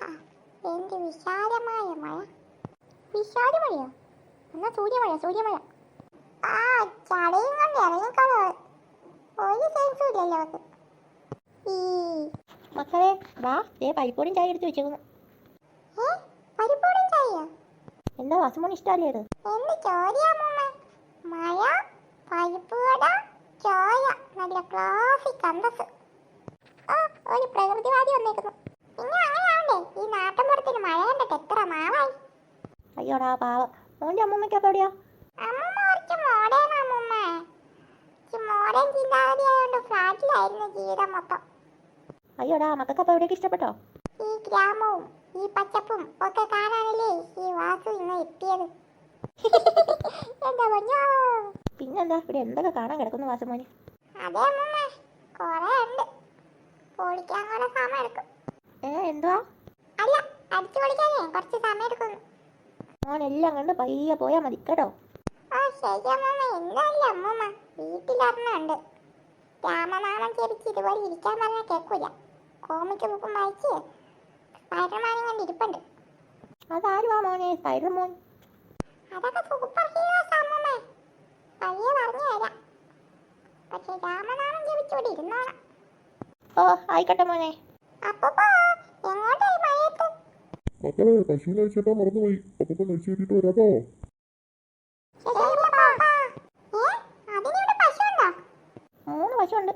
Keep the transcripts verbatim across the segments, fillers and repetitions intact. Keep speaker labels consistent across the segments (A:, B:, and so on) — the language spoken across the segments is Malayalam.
A: ആഹാ, എന്ത് വിശാലമായ മഴ. വിശാലമഴയോ? എന്നാ സൂര്യമഴ, സൂര്യമഴ. ആ ചടയും കൊണ്ട് ഇറങ്ങിക്കോളൂ. ഒരു സെൻസും ഇല്ലല്ലോ അവർക്ക്. ഈ
B: മക്കളെ വാ, ദേ പരിപ്പോടും ചായ എടുത്ത് വെച്ചേക്കുന്നു.
A: ഏ പരിപ്പോടും ചായയോ?
B: എന്താ വാസുമോന് ഇഷ്ടമല്ലേ അത്?
A: എന്ത് ചോദ്യാമ്മ? മഴ, പരിപ്പുവട, ചായ, നല്ല ക്ലാസിക് അന്തസ്. ആ ഒരു പ്രകൃതിവാദി വന്നേക്കുന്നു. പിന്നെ അങ്ങനെയാവണ്ടേ, ഈ നാട്ടിൻപുറത്തിന് മഴ കണ്ടിട്ട് എത്ര നാളായി.
B: അയ്യോടാ പാവം. മോൻ്റെ അമ്മൂമ്മയ്ക്ക് അപ്പോൾ എവിടെയാ?
A: അമ്മൂമ്മ കുറച്ച് മോഡേൺ അമ്മൂമ്മ. മോഡേൺ ചിന്താഗതി ആയതുകൊണ്ട് ഫ്ലാറ്റിലായിരുന്നു ജീവിതം മൊത്തം.
B: അയ്യോടാ, മക്കൾക്ക് അപ്പോൾ എവിടേക്ക് ഇഷ്ടപ്പെട്ടോ?
A: ഈ ഗ്രാമവും ഈ പച്ചപ്പും ഒക്കെ കാണാനല്ലേ ഈ വാസു ഇന്ന് എത്തിയത്. എന്താ പറഞ്ഞോ?
B: പിന്നെന്താ, ഇവിടെ എന്തൊക്കെ കാണാൻ കിടക്കുന്നു വാസുമോന്?
A: അതെ അമ്മൂമ്മ, കൊറേ ഉണ്ട്. പൊളിക്കാൻ കുറെ സമയം എടുക്കും.
B: ഏ എന്തുവാ?
A: അല്ല, അടിച്ചു പൊളിക്കാനേ കുറച്ച് സമയം എടുക്കുന്നു.
B: മോനെല്ലാം കണ്ട് പയ്യെ പോയാൽ മതി കേട്ടോ.
A: ആ ശരി അമ്മൂമ്മ. എന്തല്ല അമ്മൂമ്മ, വീട്ടിലൊരെണ്ണുണ്ട്. രാമനാമം ജപിച്ച് ഇതുപോലെ ഇരിക്കാൻ പറഞ്ഞാൽ കേൾക്കൂല. കോമിക്ക് ബുക്കും വായിച്ച് സ്പൈഡർമാനും കൊണ്ട് ഇരിപ്പുണ്ട്.
B: അതാരുവാ മോനെ സ്പൈഡർ മോൻ?
A: അതൊക്കെ സൂപ്പർ ഹീറോസ് അമ്മൂമ്മ. പയ്യെ പറഞ്ഞു തരാം. പക്ഷെ രാമനാമം ജപിച്ചോടെ ഇരുന്നോണം.
B: ഓ ആയിക്കോട്ടെ മോനെ.
A: അപ്പൊ എങ്ങോട്ടായി മഴയത്ത്?
C: മക്കളെ പശുവിനെ അഴിച്ചിട്ടാ മറന്നുപോയി. അപ്പൊ കഴിച്ചു കയറ്റിട്ട് വരാട്ടോ.
B: മൂന്ന് പശുണ്ട്.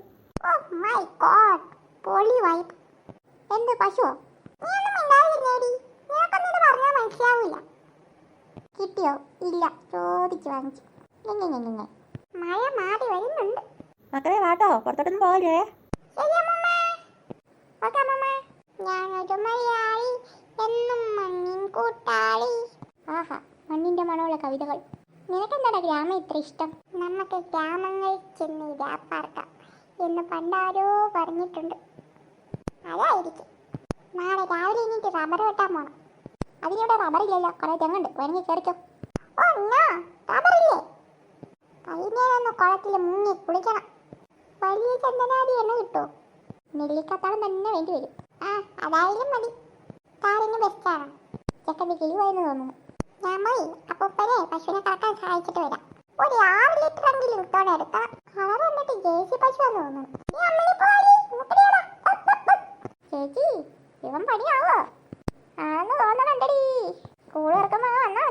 A: എന്ത് പശുവോ? നീ ഒന്നും മിണ്ടാതിരുന്നേടി. നിനക്കൊന്നും പറഞ്ഞാൽ മനസ്സിലാവൂല. കിട്ടിയോ? ഇല്ല, ചോദിച്ചു വാങ്ങിച്ചു. മഴ മാറി വരുന്നുണ്ട്.
B: മക്കളെ വാട്ടോ, പുറത്തോട്ടൊന്നും പോകല്ലേ.
A: ഞാനൊരു മലയാളി, എന്നും മണ്ണിൻ കൂട്ടാളി. ആഹാ, മണ്ണിന്റെ മണമുള്ള കവിതകൾ. നിനക്കെന്താടാ ഗ്രാമം ഇത്ര ഇഷ്ടം? നമുക്ക് ഗ്രാമങ്ങളിൽ ചെന്ന് ഇരാപ്പാർക്കാം എന്ന് പണ്ടാരോ പറഞ്ഞിട്ടുണ്ട്. അതായിരിക്കും. നാളെ രാവിലെ എണീറ്റ് റബ്ബർ വെട്ടാൻ പോണം. അതിനിവിടെ റബ്ബറില്ലല്ലോ, കുറെ തെങ്ങുണ്ട്. വേണമെങ്കിൽ കയറിക്കോ. ഓ എന്നാ റബ്ബറില്ലേ? വൈകുന്നേരം കുളത്തിൽ മുങ്ങി കുളിക്കണം. വലിയ ചന്ദനാദി എണ്ണ കിട്ടുമോ? നെല്ലിക്കത്താളം തന്നെ വേണ്ടി വരും. ആ അതായാലും മതി. താരന് ബെസ്റ്റാണ്. ചെക്കൻ്റെ കിളിവായെന്ന് തോന്നുന്നു. ഞാൻ പോയി അപ്പൂപ്പനെ പശുവിനെ കറക്കാൻ സഹായിച്ചിട്ട് വരാം. ഒരു ആറ് ലിറ്റർ എങ്കിലും ഇട്ടോടെ എടുക്കണം. കളർ വന്നിട്ട് ജേഴ്സി പശുവാന്ന് തോന്നുന്നു. ചേച്ചി ഇവൻ പണിയാവോ? ആന്ന് തോന്നണുണ്ടടി. സ്കൂൾ ഇറക്കുമ്പോ വന്നാ